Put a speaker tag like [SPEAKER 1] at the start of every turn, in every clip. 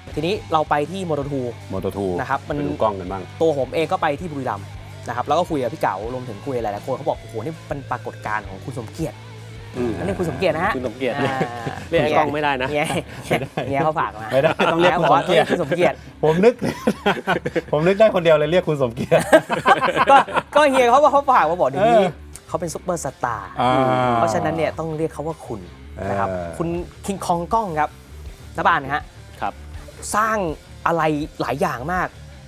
[SPEAKER 1] ทีนี้เราไปที่โมโตทูนะครับมัน
[SPEAKER 2] ดูกล้องกันบ้าง
[SPEAKER 1] ตัวผมเองก็ไปที่บุรีรัมย์นะครับแล้วก็คุยกับพี่เก๋ารวมถึงคุยหลายๆคนเขาบอกโอ้โหนี่เป็นปรากฏการณ์ของคุณสมเกียรตินั่นเรียกคุณสมเกียรตินะฮะ
[SPEAKER 3] คุณสมเกียรติเรียกกล้องไม่ได้นะ
[SPEAKER 1] เนี่ยเขาฝากมา
[SPEAKER 2] ไม่ได้ต้องเรียก
[SPEAKER 1] คุณสมเกียรติ
[SPEAKER 2] ผมนึกได้คนเดียวเลยเรียกคุณสมเกียรติ
[SPEAKER 1] ก็เฮียเขาฝากมาบอกเดี๋ยวนี้เขาเป็นซุปเปอร์สตาร์เพราะฉะนั้นเนี่ยต้องเรียกเขาว่าคุณนะครับคุณคิงคองกล้องครับน้าบ้านนะฮะ
[SPEAKER 3] ครับ
[SPEAKER 1] สร้างอะไรหลายอย่างมาก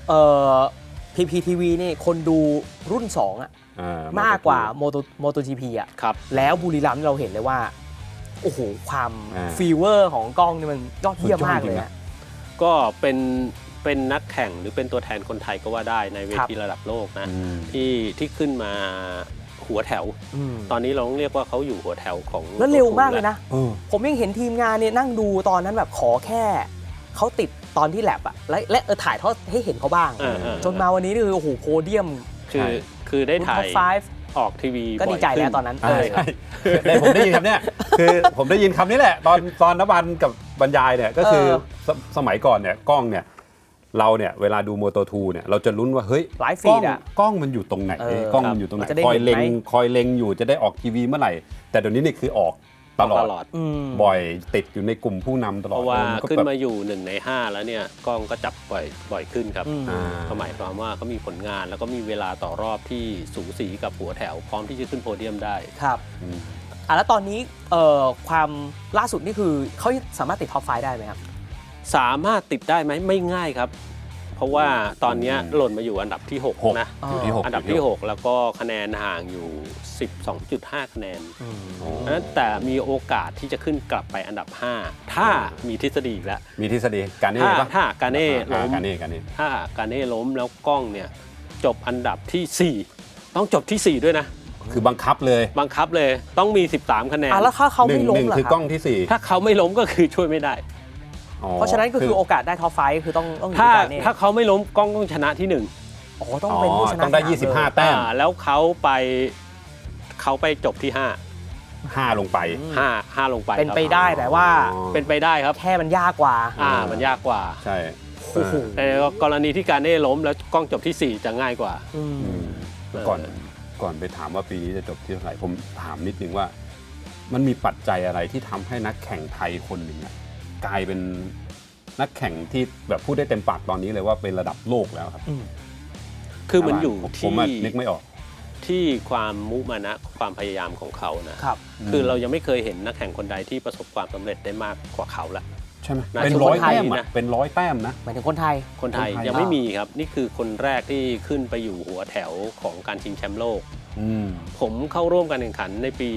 [SPEAKER 1] PPTV นี่คนดูรุ่น2มากกว่าโมโต GP
[SPEAKER 3] ครับ
[SPEAKER 1] แล้วบุรีรัมย์เราเห็นเลยว่าโอ้โหความฟีเวอร์ของกล้องนี่มันยอดเยี่ยมมากเลย
[SPEAKER 3] ก็เป็นนักแข่งหรือเป็นตัวแทนคนไทยก็ว่าได้ในเวทีระดับโลกนะที่ขึ้นมาหัวแถวตอนนี้เราต้องเรียกว่าเขาอยู่หัวแถวของ
[SPEAKER 1] แล้วเร็วมากเลยนะผมยังเห็นทีมงานเนี่ยนั่งดูตอนนั้นแบบขอแค่เขาติดตอนที่แลบและถ่ายทอดให้เห็นเขาบ้างจนมาวันนี้คือโอ้โหโพเดียม
[SPEAKER 3] คือได้ถ่ายออกทีวี
[SPEAKER 1] ก็ดีใจแล้วตอนนั้น
[SPEAKER 2] ใช่ผมได้ยินคำนี้คือผมได้ยินคำนี้แหละตอนนบันกับบรรยายเนี่ยก็คือสมัยก่อนเนี่ยกล้องเนี่ยเราเนี่ยเวลาดูโมโต2เนี่ยเราจะลุ้นว่าเฮ้ยกล้องมันอยู่ตรงไหนกล้องมันอยู่ตรงไหนคอยเล็งอยู่จะได้ออกทีวีเมื่อไหร่แต่เดี๋ยวนี้นี่คือออกตลอดบ่อยติดอยู่ในกลุ่มผู้นำตลอด
[SPEAKER 3] เพราะว่าขึ้นมาอยู่1 ใน 5แล้วเนี่ยกล้องก็จับบ่อยขึ้นครับหมายความว่าเขามีผลงานแล้วก็มีเวลาต่อรอบที่สูสีกับหัวแถวพร้อมที่จะขึ้นโพเดียมได้
[SPEAKER 1] ครับแล้วตอนนี้ความล่าสุดนี่คือเขาสามารถติดท็อป5ได้ไหมครับ
[SPEAKER 3] สามารถติดได้ไหมไม่ง่ายครับเพราะว่าตอนนี้หล่นมาอยู่อันดับที่6นะอันดับที่6แล้วก็คะแนนห่างอยู่ 12.5 คะแนนนั้นแต่มีโอกาสที่จะขึ้นกลับไปอันดับ5ถ้ามีทฤษฎีแล้ว
[SPEAKER 2] มีทฤษฎีการเน่
[SPEAKER 3] ถ้าการเน่ล้มถ้าการเน่ล้มแล้วกล้องเนี่ยจบอันดับที่4ต้องจบที่4ด้วยนะ
[SPEAKER 2] คือบังคับเลย
[SPEAKER 3] ต้องมี13คะแนน
[SPEAKER 1] แล้วถ้าเขาไม่ล้มล่ะ
[SPEAKER 2] คือกล้องที่4
[SPEAKER 3] ถ้าเขาไม่ล้มก็คือช่วยไม่ได้
[SPEAKER 1] เพราะฉะนั้นก็คือโอกาสได้ท็อป5คือต้อง
[SPEAKER 3] ถ้าเขาไม่ล้มกล้องต้องชนะที่1
[SPEAKER 1] ต้องเป็นผู้ชนะ
[SPEAKER 2] ต้องได้25แต้ม
[SPEAKER 3] แล้วเขาไปจบที่5ลงไป5ลงไป
[SPEAKER 1] เป็นไปได้แต่ว่า
[SPEAKER 3] เป็นไปได้ครับ
[SPEAKER 1] แค่มันยากกว่า
[SPEAKER 3] มันยากกว่า
[SPEAKER 2] ใช่
[SPEAKER 3] แต่กรณีที่การเน่ล้มแล้วกล้องจบที่4จะง่ายกว่า
[SPEAKER 2] ก่อนไปถามว่าปีนี้จะจบที่เท่าไหร่ผมถามนิดนึงว่ามันมีปัจจัยอะไรที่ทำให้นักแข่งไทยคนหนึ่งกลายเป็นนักแข่งที่แบบพูดได้เต็มปากตอนนี้เลยว่าเป็นระดับโลกแล้วครับ
[SPEAKER 3] คือมันอยู่
[SPEAKER 2] ที่นึกไม่ออก
[SPEAKER 3] ที่ความมุมานะความพยายามของเขานะครับคือเรายังไม่เคยเห็นนักแข่งคนใดที่ประสบความสำเร็จได้มากกว่าเขาละ
[SPEAKER 2] ใช่ไหมเป็น100 แต้มนะเป็น100 แต้มนะ
[SPEAKER 1] หมายถึงคนไทย
[SPEAKER 3] ยังไม่มีครับนี่คือคนแรกที่ขึ้นไปอยู่หัวแถวของการชิงแชมป์โลกผมเข้าร่วมการแข่งขันในปี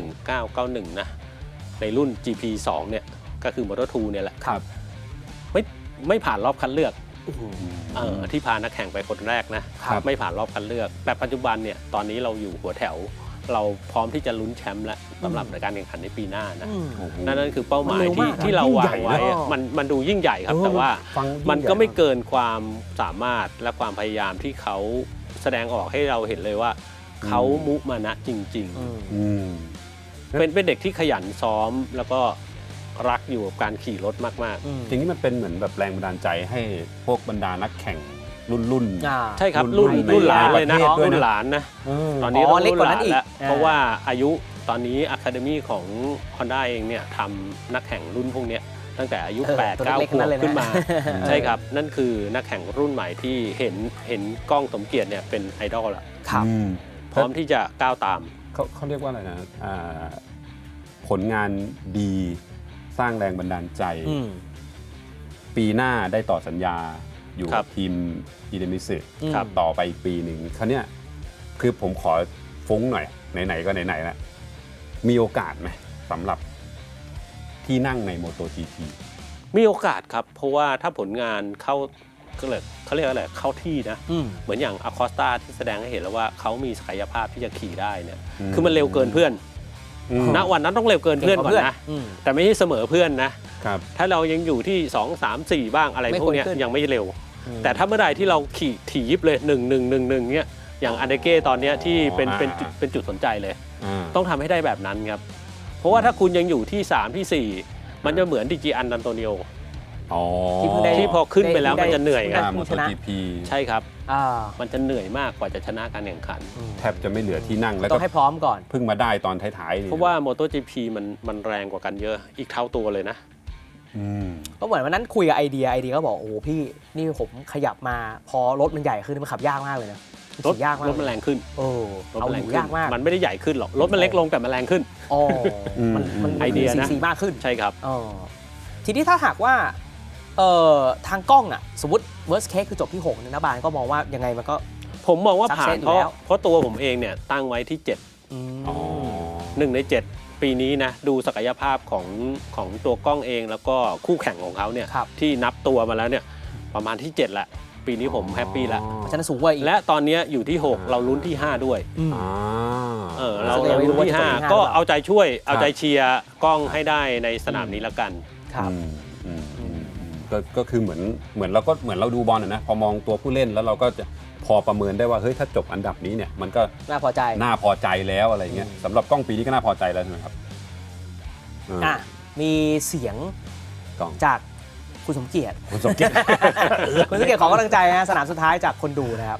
[SPEAKER 3] 1991นะในรุ่น GP2 เนี่ยก็คือ Moto2 เนี่ยแหละ
[SPEAKER 1] ครับ
[SPEAKER 3] ไม่ผ่านรอบคัดเลือกที่พานักแข่งไปคนแรกนะไม่ผ่านรอบคัดเลือกแต่ปัจจุบันเนี่ยตอนนี้เราอยู่หัวแถวเราพร้อมที่จะลุ้นแชมป์แล้วสำหรับในการแข่งขันในปีหน้านะนั่นคือเป้าหมายที่เราวางไว้มันดูยิ่งใหญ่ครับแต่ว่ามันก็ไม่เกินความสามารถและความพยายามที่เขาแสดงออกให้เราเห็นเลยว่าเขามุมานะจริงๆเป็นเด็กที่ขยันซ้อมแล้วก็รักอยู่กับการขี่รถมาก
[SPEAKER 2] ๆจริงๆมันเป็นเหมือนแบบแรงบันดาลใจให้พวกบรรดานักแข่งรุ่น
[SPEAKER 3] ใช่ครับรุ่นหลานเลยนะรุ่นหลานนะตอนนี้
[SPEAKER 1] เล็กกว่านั้นอีก
[SPEAKER 3] เพราะว่าอายุตอนนี้ Academy ของ Honda เองเนี่ยทำนักแข่งรุ่นพวกนี้ตั้งแต่อายุ 8-9 ขวบขึ้นมาใช่ครับนั่นคือนักแข่งรุ่นใหม่ที่เห็นกล้องสมเกียรติเนี่ยเป็นไอดอลละพร้อมที่จะก้าวตาม
[SPEAKER 2] เขาเรียกว่าอะไรนะผลงานดีสร้างแรงบันดาลใจปีหน้าได้ต่อสัญญาอยู่กับทีมอีเดมิสึต่อไปอีกปีหนึ่งคราวนี้คือผมขอฟุ้งหน่อยไหนๆก็ไหนๆแล้วมีโอกาสไหมสำหรับที่นั่งใน MotoGP
[SPEAKER 3] มีโอกาสครับเพราะว่าถ้าผลงานเขาเรียกอะไรเข้าที่นะเหมือนอย่างอคอสตาที่แสดงให้เห็นแล้วว่าเขามีศักยภาพที่จะขี่ได้เนี่ยคือมันเร็วเกินเพื่อนณวันนั้นต้องเร็วเกินเพื่อนก่อนนะแต่ไม่ใช่เสมอเพื่อนนะถ้าเรายังอยู่ที่2 3 4บ้างอะไรพวกนี้ยังไม่เร็วแต่ถ้าเมื่อใดที่เราขี่ถี่ยิบเลย1-1-1-1เนี่ยอย่างอันเดเก้ตอนนี้ที่เป็นจุดสนใจเลยต้องทำให้ได้แบบนั้นครับเพราะว่าถ้าคุณยังอยู่ที่3ที่4มันจะเหมือนดิจิอันดันโตนิโอ
[SPEAKER 2] อ๋อ
[SPEAKER 1] ที่เพิ่งได้
[SPEAKER 3] ที่พอขึ้นไปแล้วมันจะเหนื่อยไง
[SPEAKER 2] มอเตอร์ GP
[SPEAKER 3] ใช่ครับ
[SPEAKER 1] อ่า
[SPEAKER 3] มันจะเหนื่อยมากกว่าจะชนะการแข่งขัน
[SPEAKER 2] แทบจะไม่เหลือที่นั่งแล้ว
[SPEAKER 1] ต้
[SPEAKER 2] ก็
[SPEAKER 1] องให้พร้อมก่อน
[SPEAKER 2] เพิ่งมาได้ตอนท้ายๆนี่
[SPEAKER 3] เพราะว่า MotoGP มันแรงกว่ากันเยอะอีกเท่าตัวเลยนะ
[SPEAKER 2] อืม
[SPEAKER 1] ก็เหมือนวันนั้นคุยกับไอเดียก็บอกโอ้โหพี่นี่ผมขยับมาพอรถมันใหญ่ขึ้นมันขับยากมากเลยนะ
[SPEAKER 3] รถ
[SPEAKER 1] ขี่ยากมาก
[SPEAKER 3] รถมันแรงขึ้น
[SPEAKER 1] โอ้
[SPEAKER 3] รถ
[SPEAKER 1] เอา
[SPEAKER 3] มัน
[SPEAKER 1] อ
[SPEAKER 3] แรง
[SPEAKER 1] ยู่
[SPEAKER 3] ขึ้น
[SPEAKER 1] ยากมาก
[SPEAKER 3] มันไม่ได้ใหญ่ขึ้นหรอกรถมันเล็กลงแต่มันแรงขึ้น
[SPEAKER 1] อ๋อมัน
[SPEAKER 3] ไอเดียนะ
[SPEAKER 1] ซีมากขึ้น
[SPEAKER 3] ใช่ครับ
[SPEAKER 1] อ๋อทีนี้ถ้าหากว่าทางกล้องอ่ะสมมติ worst case คือจบที่6นะบานก็มองว่ายังไงมันก็
[SPEAKER 3] ผมมองว่าผ่าน
[SPEAKER 1] Success อยู่แล้ว
[SPEAKER 3] เพราะตัวผมเองเนี่ยตั้งไว้ที่
[SPEAKER 1] อืม
[SPEAKER 2] อ๋อ
[SPEAKER 3] 7 1 ใน 7 ปีนี้นะดูศักยภาพของตัวกล้องเองแล้วก็คู่แข่งของเขาเนี่ย
[SPEAKER 1] ครับ
[SPEAKER 3] ที่นับตัวมาแล้วเนี่ยประมาณที่ 7 แหละ ปีนี้ผมแฮปปี้แล้ว
[SPEAKER 1] ฉะนั้นสูงกว่าอีก
[SPEAKER 3] และตอนนี้อยู่ที่ 6 เราลุ้นที่ 5 ด้วย
[SPEAKER 1] อืม
[SPEAKER 2] อ่า
[SPEAKER 3] เรา
[SPEAKER 1] แสดงว่า
[SPEAKER 3] ลุ้นที่
[SPEAKER 1] จะจบที่
[SPEAKER 3] 5
[SPEAKER 1] ห้า
[SPEAKER 3] ก็
[SPEAKER 1] หรือเปล่า
[SPEAKER 3] เอาใจช่วยเอาใจเชียร์กล้องให้ได้ในสนามนี้แล้วกัน
[SPEAKER 1] ครับ
[SPEAKER 2] ก็คือเหมือนเราดูบอลนะพอมองตัวผู้เล่นแล้วเราก็จะพอประเมินได้ว่าเฮ้ยถ้าจบอันดับนี้เนี่ยมันก็
[SPEAKER 1] น่าพอใจ
[SPEAKER 2] น่าพอใจแล้วอะไรเงี้ยสำหรับกล้องปีนี้ก็น่าพอใจแล้วใช่ไหมครับ
[SPEAKER 1] อ่ะมีเสียง
[SPEAKER 2] กล้อง
[SPEAKER 1] จากคุณสมเกียรติ
[SPEAKER 2] คุณสมเกียรติ
[SPEAKER 1] คุณสมเกียรติขอกำลังใจนะสนามสุดท้ายจากคนดูนะครับ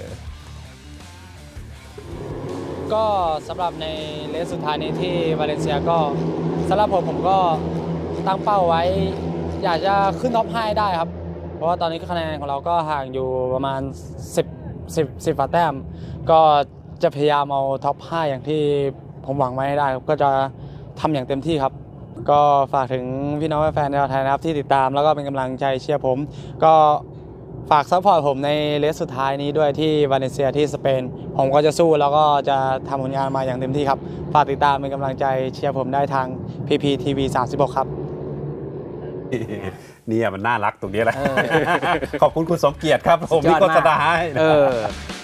[SPEAKER 4] ก็สำหรับในเลสสุดท้ายนี้ที่วาเลนเซียก็สำหรับผมก็ตั้งเป้าไว้ อยากจะขึ้นท็อป5ได้ครับ เพราะว่าตอนนี้คะแนนของเราก็ห่างอยู่ประมาณ10แต้มก็จะพยายามเอาท็อป5อย่างที่ผมหวังไว้ให้ได้ครับก็จะทำอย่างเต็มที่ครับ ก็ฝากถึงพี่น้องแฟนชาวไทยนะครับที่ติดตามแล้วก็เป็นกำลังใจเชียร์ผมก็ฝากซัพพอร์ตผมในเลสสุดท้ายนี้ด้วยที่วาเลนเซียที่สเปนผมก็จะสู้แล้วก็จะทำผลงานมาอย่างเต็มที่ครับฝากติดตามเป็นกำลังใจเชียร์ผมได้ทาง PPTV 36 ครับ
[SPEAKER 2] เนี่ยมันน่ารักตรงนี้แหละ
[SPEAKER 1] เออ
[SPEAKER 2] ขอบคุณคุณสมเกียรติครับผม
[SPEAKER 1] สุดย
[SPEAKER 2] ที่
[SPEAKER 1] อด
[SPEAKER 2] โฆ
[SPEAKER 1] มาก
[SPEAKER 2] ษณาให้นะ
[SPEAKER 1] เออ